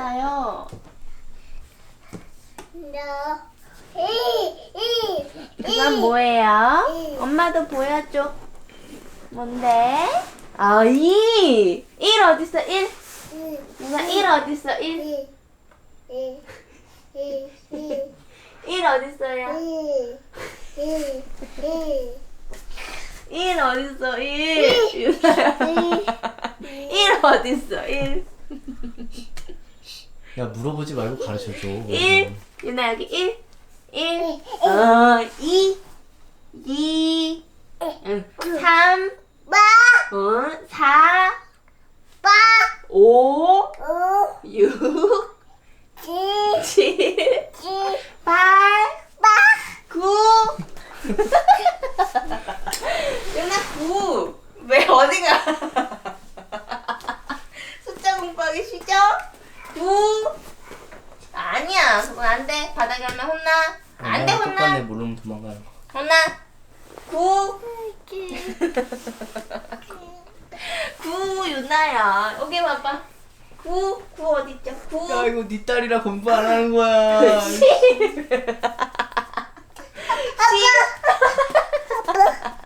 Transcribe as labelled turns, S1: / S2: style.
S1: 있어요? 이건 뭐예요? 엄마도 보여줘. 뭔데? 아, 2! 1 어딨어? 1? 누나 1 어딨어? 1? 1 어딨어요? 1 어딨어? 1? 유나야 1 어딨어? 1?
S2: 야, 물어보지 말고 가르쳐줘.
S1: 1? 유나 여기 1? 1? 2? 2? 3? 4? 5? 6? 7? 8? 9? 유나 9! 왜 어디가? 숫자 공부하기 싫죠? 9? 아니야, 그건 안 돼. 바닥에 하면 혼나. 안 돼, 혼나.
S2: 똑같네, 모르면 도망가요.
S1: 혼나. 9. 9 유나야. 여기 봐봐. 9 어디 있죠? 9.
S2: 야, 이거 네 딸이라 공부 안 하는 거야.
S1: 10.